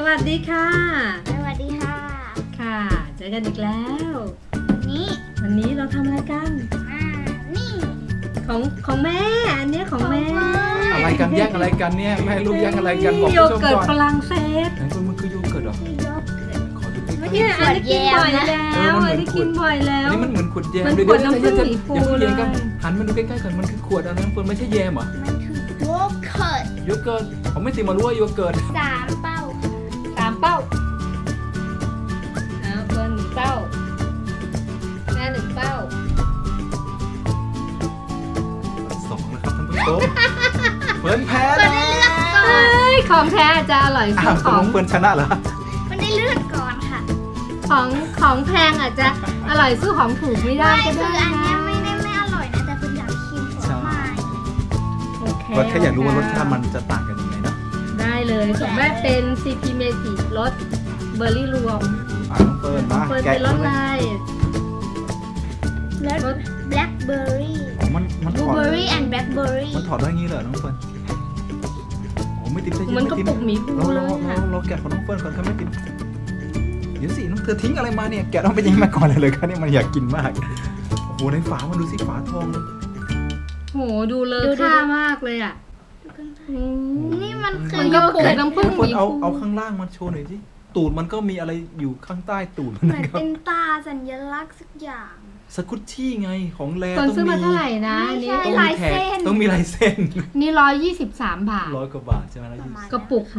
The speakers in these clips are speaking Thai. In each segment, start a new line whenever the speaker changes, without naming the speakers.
วัสดีค่ะ
สวัสดีค่ะ
ค่ะเจอกันอีกแล้ว
วันนี้
เราทำอะไรกัน
นี่
ของแม่อันนี้ของแม่
อะไรกันแย่งอะไรกันเนี่ยแม่ลูกแย่งอะไรกันบอก
โย
ผู้ชม
เกิร์ต
ก่อน
ฝรั่งเศส
ไหนมันคือโยเกิร์ตเหรอขอดูใกล้ๆ
เนี่ยอันนี้กินบ่อยแล้วอันนี้กินบ่อยแล้ว
นี่มันเหมือนขวดแยม
มันขวดน้ำผึ้งสีฟูเลย
หันมาดูใกล้ๆกันมันคือขวดอะไรมันไม่ใช่แยมเหรอ
มันคือโยเกิร์ต
โยเกิร์ตผมไม่ติมารู้ว่าโยเกิร์ต
3 เป้า
3 เป้าเอาเบอร์1 เป้าแม่1 เป้า
2นะครับท่านผู้ชมเฟิร์นแพ้แล้ว
ของแท้จะอร่อยสุดของ
เฟิร์นชนะเหรอ
มันได้เลือดก่อนค่ะ
ของแพงอาจจะอร่อยสู้ของถูกไม่ได้ก็ได้
อันนี้ไม่อร่อยนะแต่คุณอยากชิมผลไม้
ก็แค่อยากรู้ว่ารสชาติมันจะต่างกันยังไงเนาะ
ได้เลยของแม่เป็น CP Magic รสเบอร์รี่รวม
น้องเฟิร์นมา
แกะรสอะไร
รสแบล็คเบอร์รี่
มัน
บลูเบอร์รี่แอนด์แบล็คเบอร์รี่
มันถอดได้งี้เหรอน้องเฟิร์นไม่ติด
มันก็ปุกหมีปูเลยค่ะ
เราแกะของน้องเฟิร์นก่อนครับไม่ติดเดี๋ยวสิน้องเธอทิ้งอะไรมาเนี่ยแกะต้องไปยิงมาก่อนเลยครับเนี่ยมันอยากกินมากโอ้โหในฝามันดูสิฝาทอง
โหดูเลอะค่ามากเลยอ่ะ
นี่มันคือ
โยเกิร์ตน้ำผึ้งหมีปู
เอาข้างล่างมันโชว์หน่อยสิตูดมันก็มีอะไรอยู่ข้างใต้ตูด
เหมือนเป็นตาสัญลักษณ์สักอย่าง
สกุชชี่ไงของแร
ต้องซื้อมาเท่าไหร่นะ
นี่ลายเส้น
ต้องมีลายเส้น
นี่123 บาท
100 กว่าบาทใช่ไหม
กระปุก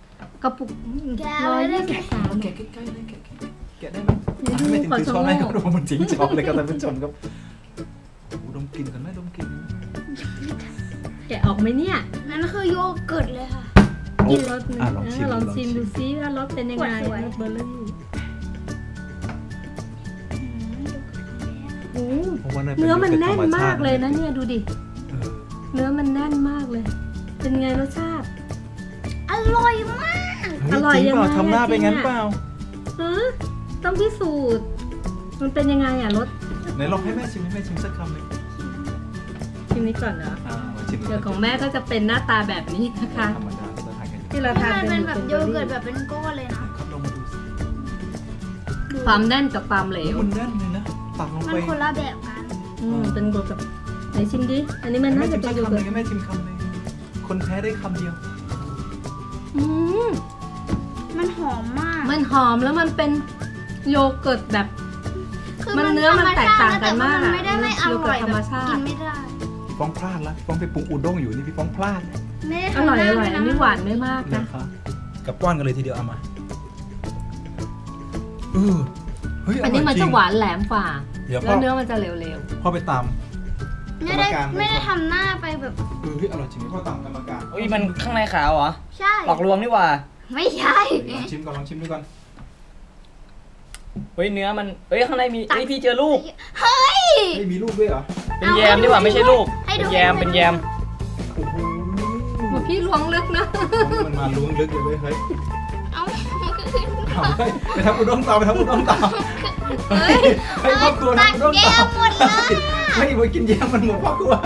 123
แกะใกล้ๆเลยแกะได้ไหมไม่ถึงคือช้อนให้เขาดูมันจริงช้อนเลยครับท่านผู้ชมครับดมกลิ่นกันไหมดมกลิ่น
แกะออกไหมเนี่ย
นั่นคือโยเกิร์ตเลยค่ะ
กินรสลองชิมดูซิว่ารสเป็นยังไงรสเบอร์รี่เนื้อมันแน่นมากเลยนะเนี่ยดูดิเนื้อมันแน่นมากเลยเป็นไงรสชาติ
อร่อยมาก
อร่อยยังไง
ทำหน้าเป็นงั้นเปล่า
ต้องพิสูจน์มันเป็นยังไงอ่ะรส
ไหนลองให้แม่ชิมสักคำเลย
ชิมนี้ก่อนเหรอเดี๋ยวของแม่ก็จะเป็นหน้าตาแบบนี้นะคะที่เราทาน
เป็นแบบโยเกิร์ตแบบเป็นก้อนเลยนะ
ความแน่นกับความเหลว
มันแน่นเลยนะตักลงไป
มันคนละแบบกัน
เป็นโยเกิร์ตไหนชิมดิอันนี้มันน่าจะเป็นโยเกิร์ต
แม่ชิมคำเลยคนแพ้ได้คำเดียว
มันหอมมาก
มันหอมแล้วมันเป็นโยเกิร์ตแบบมันเนื้อมันแตกต่างกันมาก
ไม่ได้ไม่อร่อยแบบกินไม่ได้
พี่ฟ้องพลาดละฟ้องไปปรุงอุด้งอยู่นี่พี่ฟ้องพลาด
อร่อยอันนี้หวานไม่มากนะ
กับป้อนกันเลยทีเดียวเอามา
อันนี้มันจะหวานแหลมฝ่าแล้วเนื้อมันจะเหลว
พ่อไปตาม
ไม่ได้ทำหน้าไปแบบ
พี่อร่อยจริงพ่อตามกรรมการ
มันข้างในขาวเหรอ
ใช่
หลอกลวงนี่หว่า
ไม่ใช่
ลองชิมดูก่อน
เนื้อมันข้างในมีพี่เจอลูก
ไม่มีลูกด้วยเหรอ
เป็นแยมนี่หว่าไม่ใช่ลูกเป็นแยม
พี่ล้วงลึกนะ
มันมาล้วงลึกเลยเฮ้ย
เอา
ไปทำอุด้งต่อให้ครอบครัวทำอุด้งต่อไม่ไปกินแยมมันหมดครอบครัว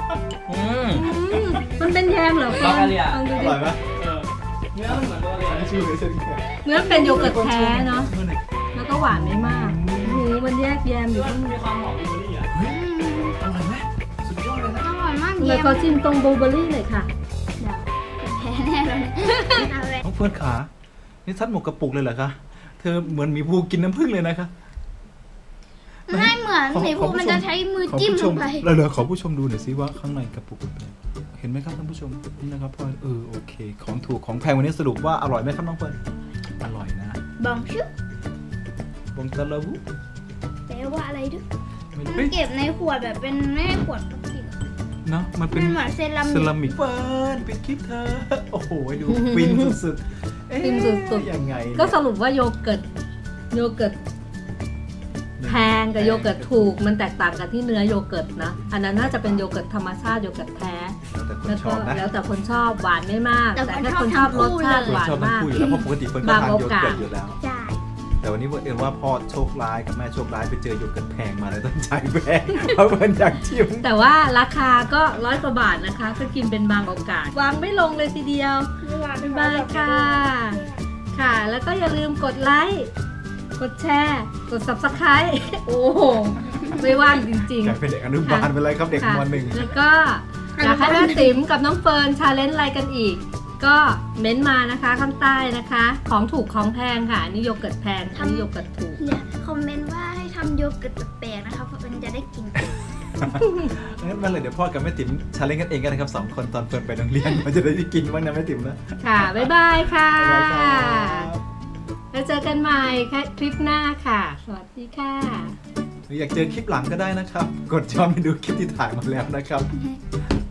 มันเป็นแยมเหรอ
อร่อยไหม
เนื้อมันเหมือนตัวเลย
เนื้อเป็นโยเกิร์ตแท้เนาะแล้วก็หวานไม่มากมันแยกแยมอยู่ข้างใน
มีความหอมบลูเบอร์รี่อ่ะ
อร่อยไหมสุดยอดเลยนะ
อร่อยมาก
เลยขอชิมตรงบลูเบอร์รี่หน่อยค่ะ
แพ้แน่เลย
น้องเฟิร์นขานี่ซัดหมกกระปุกเลยเหรอคะเธอเหมือนหมีภูกินน้ำผึ้งเลยนะคะ
ไม่เหมือนหมีภูมันจะใช้มือจิ้มลงไป
เหลือขอผู้ชมดูหน่อยซิว่าข้างในกระปุกเห็นไหมครับท่านผู้ชมนี่นะครับพ่อโอเคของถูกของแพงวันนี้สรุปว่าอร่อยไหมครับน้องเฟิร์นอร่อยนะ
บองชื่
บองตะลาวู
แปลว่าอะไรด้วยมันเก็บในขวดแบบเป็นไม่ขวดพลาสติก
เนาะมันเป็น
เหมือนเซรามิก
เฟิร์นปิดคลิปเธอโอ้โหดูฟินสุด
ฟินสุด
ยังไง
ก็สรุปว่าโยเกิร์ตแพงกับโยเกิร์ตถูกมันแตกต่างกันที่เนื้อโยเกิร์ตนะอันนั้นน่าจะเป็นโยเกิร์ตธรรมชาติโยเกิร์ตแท้แล้วแต่คนชอบหวานไม่มากแต่ถ้าคนชอบรสชาติหวานมาก
เพราะปกติเฟิร์นก็ทานโยเกิร์ตอยู่แล้วแต่วันนี้เอิญว่าพ่อโชคร้ายกับแม่โชคร้ายไปเจอโยเกิร์ตแพงมาเลยต้องจ่ายแพงเพราะมันอยากชิม
แต่ว่าราคาก็100 กว่าบาทนะคะก็กินเป็นบางโอกาสวางไม่ลงเลยทีเดียวบ๊ายบายค่ะค่ะ แล้วก็อย่าลืมกดไลค์กดแชร์กด Subscribe โอ้โหไม่ว่างจริง
อยากเป็นเด็กอนุบาลไปเลยครับเด็ก
ค่ะ
ม .1
แล้วก็อยากให้แม่ติ๋มกับน้องเฟิร์นชาเลนจ์อะไรกันอีก ก็เม้นต์มานะคะข้างใต้นะคะ ของถูกของแพงค่ะอันนี่โยเกิร์ตแพงอันนี้โยเกิร์ตถูก
เนี่ยคอมเมนต์ว่าให้ทำโยเกิร์ตแปลกๆนะคะเพราะมันจะได้กิน
งั้นมาเลยเดี๋ยวพ่อกับแม่ติ๋มชาเลนจ์กันเองกันนะครับ2 คนตอนเฟิร์นไปโรงเรียนเราจะได้กินบ้างนะแม่ติ๋มนะ
ค่ะ บ๊ายบายค่ะ
บ๊ายบายครับ
แล้วเจอกันใหม่คลิปหน้าค่ะ สวัสดีค่ะ
หรืออยากเจอคลิปหลังก็ได้นะครับ กดย้อนไปดูคลิปที่ถ่ายมาแล้วนะครับ